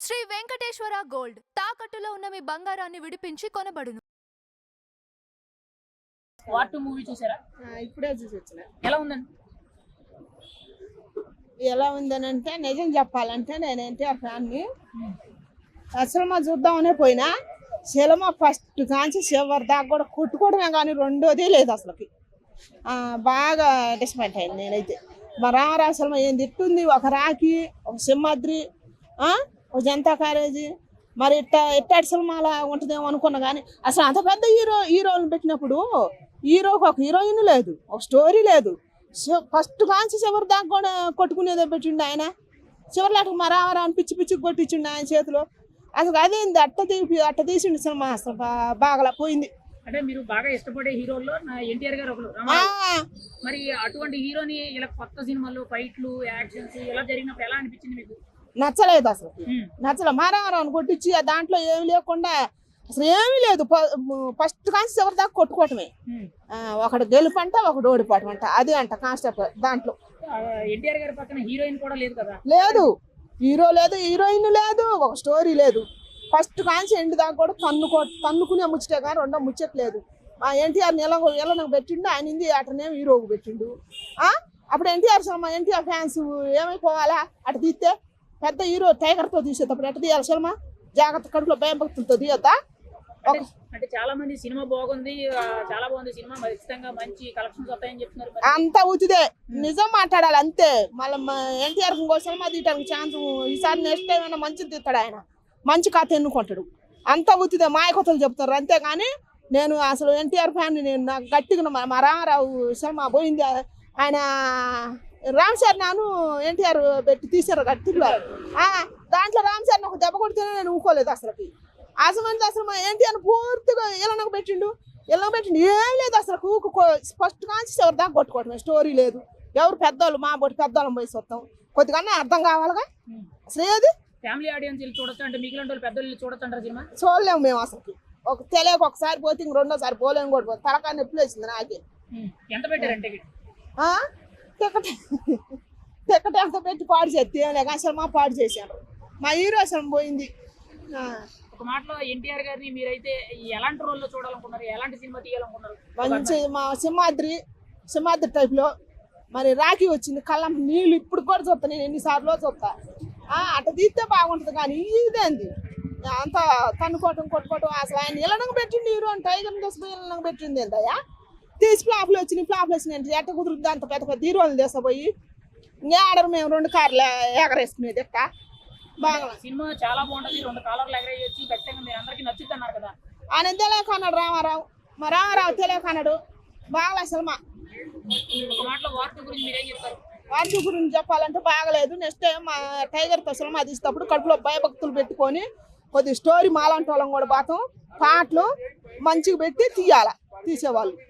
Shri Venkateswara gold తాకట్టులో ఉన్న మీ బంగారాన్ని విడిపించి కొనబడును. వార్ 2 మూవీ చూసారా? ఇప్పుడే చూసి వచ్చిన. ఎలా ఉందండి? ఎలా ఉందనంటే నిజం చెప్పాలంటే నేను ఎన్టీఆర్ ఫ్యాన్ని. సినిమా చూద్దామనే పోయినా సినిమా ఫస్ట్ కాంచి చివరి దాకా కూడా కొట్టుకోవడమే కానీ రెండోది లేదు అసలుకి. బాగా డిసప్పాయింట్ అయింది నేనైతే. మా రామారావు సినిమా ఏం తిట్టుంది, ఒక రాఖీ, ఒక సింహాద్రి, ఒక జనతా కాలేజీ, మరి ఇట్టాటి సినిమాలా ఉంటుందేమో అనుకున్నా. కానీ అసలు అంత పెద్ద హీరోలను పెట్టినప్పుడు హీరోకి ఒక హీరోయిన్ లేదు, ఒక స్టోరీ లేదు. ఫస్ట్ కాంచి చివరి దాకా కూడా కొట్టుకునేదే పెట్టిండు ఆయన. చివరిలాట మా రామారావుని పిచ్చి పిచ్చికి కొట్టించిండు ఆయన చేతిలో. అసలు అదేంది అట్ట తీసిండు సినిమా. అసలు బాగా పోయింది. అంటే మీరు బాగా ఇష్టపడే హీరోల్లో ఎన్టీఆర్ గారు ఒకరు. మరి అటువంటి హీరోని ఇలా కొత్త సినిమాలు, ఫైట్లు, యాక్షన్స్ ఇలా జరిగినప్పుడు ఎలా అనిపించింది మీకు? నచ్చలేదు అసలు. నచ్చలేదు. మా రామారావుని కొట్టించి దాంట్లో ఏమి లేకుండా అసలు ఏమీ లేదు. ఫస్ట్ కాంచి చివరి దాకా కొట్టుకోవటమే. ఒకడు గెలుపంట, ఒకడు ఓడిపోవటం అంట. అది అంట కాన్సెప్ట్ దాంట్లో. ఎన్టీఆర్ గారి పక్కన హీరోయిన్ కూడా లేదు కదా? లేదు, హీరో లేదు, హీరోయిన్ లేదు, ఒక స్టోరీ లేదు. ఫస్ట్ కాంచి ఎండ్ దాకా కూడా తన్నుకునే ముచ్చటే కానీ రెండో ముచ్చట్లేదు. ఎన్టీఆర్ని ఎలా పెట్టిండు, ఆయన హిందీ అటనేమో హీరోకు పెట్టిండు. అప్పుడు ఎన్టీఆర్ సినిమా ఎన్టీఆర్ ఫ్యాన్స్ ఏమైపోవాలా? అటు తీస్తే పెద్ద హీరో టైగర్తో తీసేటప్పుడు ఎట్ట తీయాలి సినిమా? జాగ్రత్త కడుపులో భయం భక్తులతో తీయద్దా? అంటే చాలా మంది సినిమా బాగుంది, చాలా బాగుంది సినిమా, ఖచ్చితంగా మంచి కలెక్షన్స్ వస్తాయని చెప్తున్నారు. అంతా ఉచిదే, నిజం మాట్లాడాలి అంతే. మళ్ళీ ఎన్టీఆర్ ఇంకో సినిమా తీయడానికి ఛాన్స్ ఈసారి నెక్స్ట్ టైం అయినా మంచిది తీస్తాడు ఆయన. మంచి కథ ఎన్నుకుంటాడు. అంతా ఉచిదే, మాయకథలు చెప్తారు అంతేగాని నేను అసలు ఎన్టీఆర్ ఫ్యాన్. నేను నాకు గట్టిగా మా రామారావు సినిమా పోయింది. ఆయన రామ్ చరణ్ ఎన్టీఆర్ పెట్టి తీశారు గట్టిగా. దాంట్లో రామ్ చరణ్ ఒక దెబ్బ కొడితేనే నేను ఊకోలేదు అసలుకి. అసలు మా ఎన్టీఆర్ పూర్తిగా ఇలా పెట్టిండు. ఏం లేదు అసలు. ఫస్ట్ కాంచి చివరి దాకా కొట్టుకోవటమే, స్టోరీ లేదు. ఎవరు పెద్దోళ్ళు మా బొట్టి పెద్దోళ్ళం పోయి వస్తాం, కొద్దిగా అర్థం కావాలిగా. అసలు ఏది ఫ్యామిలీ ఆడియన్స్ చూడొచ్చు అంటే మిగిలిన వాళ్ళు పెద్దోళ్ళు చూడొచ్చు అంటారు సినిమా? చూడలేము మేము అసలు. తెలియక ఒకసారి పోతే ఇంక రెండోసారి పోలేము కూడా. తలకాయ నొప్పి వచ్చింది నాకే. ఎంత పెట్టారంటే టికెట్ ఎంత పెట్టి పాడు చేస్తే అసలు మా పాడు చేశారు. మా హీరో అసలు పోయింది. ఒక మాటలో ఎన్టీఆర్ గారిని మీరైతే ఎలాంటి రోల్లో చూడాలనుకున్నారు, ఎలాంటి సినిమా తీయాలనుకున్నారు? మంచి మా సింహాద్రి టైప్లో. మరి రాఖీ వచ్చింది, కళ్ళం నీళ్ళు ఇప్పుడు కూడా చూస్తా నేను, ఎన్నిసార్లు చూస్తా. అట్లా తీస్తే బాగుంటుంది. కానీ ఇదేంది అంతా తన్నుకోవటం కొట్టుకోవటం. అసలు ఆయన ఇళ్ళనకు పెట్టింది హీరో అని టైగర్ తీసుకుపోయి ఇళ్ళనకు పెట్టింది ఏంటయ్యా? తీసి ఫ్లాప్లు వచ్చినాయి. ఎట్ట కుదురుద్ది అంత పెద్ద పెద్ద హీరోలు తీసుకుపోయి ఆడరు మేము 2 కార్లు ఎగరేసుకునేది ఎక్క. బాగా సినిమా చాలా బాగుంటుంది, 2 కాలర్లు ఎగరేయొచ్చు, ఖచ్చితంగా మీరు అందరికీ నచ్చుద్ది అన్నారు కదా. ఆయన తెలియకన్నాడు రామారావు. మా రామారావు తెలియకన్నాడు. బాగా సినిమా. ఒక మాటలో వార్ 2 గురించి మీరేం చెప్తారు? వార్ 2 గురించి చెప్పాలంటే బాగలేదు. నెక్స్ట్ టైం మా టైగర్తో సినిమా తీసేటప్పుడు కడుపులో భయభక్తులు పెట్టుకొని కొద్ది స్టోరీ మాలాంటి వాళ్ళం కూడా పోతాం. పాటలు మంచిగా పెట్టి తీసేవాళ్ళు.